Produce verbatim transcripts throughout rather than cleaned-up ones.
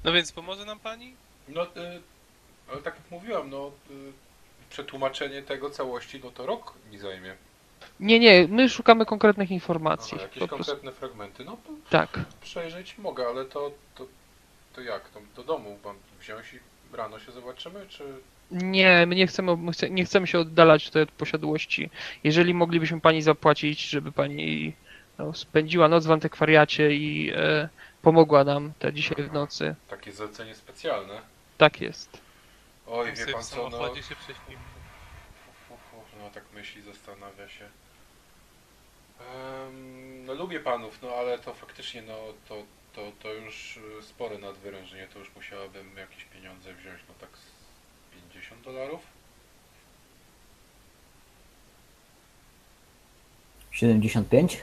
No więc pomoże nam pani? No, y, ale tak jak mówiłam, no, y, przetłumaczenie tego całości, no to rok mi zajmie. Nie, nie, my szukamy konkretnych informacji. Aha, jakieś Po prostu. konkretne fragmenty, no to Tak. przejrzeć mogę, ale to, to, to jak? To do domu mam wziąć i rano się zobaczymy, czy... Nie, my nie chcemy, my chce, nie chcemy się oddalać tutaj od posiadłości. Jeżeli moglibyśmy pani zapłacić, żeby pani no, spędziła noc w antykwariacie i e, pomogła nam te dzisiaj w nocy. Takie zlecenie specjalne. Tak jest. Oj, My wie sobie pan w co, no... samochodzie się prześpimy. Fu, fu, fu, no tak myśli, zastanawia się. Em, no lubię panów, no ale to faktycznie, no to, to, to już y, spore nadwyrężenie, to już musiałabym jakieś pieniądze wziąć, no tak z pięćdziesiąt dolarów? siedemdziesiąt pięć?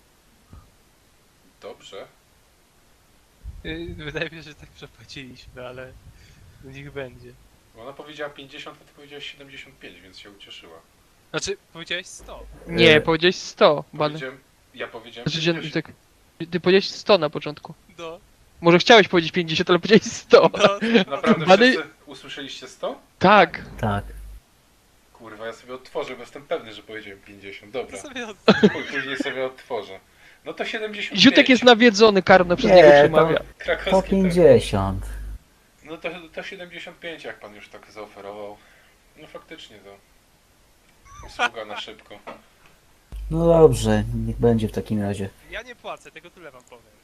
Dobrze. Y, Wydaje mi się, że tak przepłaciliśmy, ale niech będzie. Ona powiedziała pięćdziesiąt, a ty powiedziałeś siedemdziesiąt pięć, więc się ucieszyła. Znaczy, powiedziałeś sto. Nie, E, powiedziałeś sto, Bany. Powiedziałem, ja powiedziałem Znaczy, że, pięćdziesiąt. tak, ty powiedziałeś sto na początku. No, Może chciałeś powiedzieć pięćdziesiąt, ale powiedziałeś sto. no. Naprawdę Bany- wszyscy usłyszeliście sto? Tak. Tak. Kurwa, ja sobie odtworzę, bo jestem pewny, że powiedziałem pięćdziesiąt. Dobra, To sobie od... Chuj, później sobie odtworzę. No to siedemdziesiąt pięć. Ziutek jest nawiedzony, karno przez Nie, niego to- przemawia. Po Krakowski tak. pięćdziesiąt. No to, to siedemdziesiąt pięć, jak pan już tak zaoferował. No faktycznie to. Usługa na szybko. No dobrze, niech będzie w takim razie. Ja nie płacę, tego tyle wam powiem.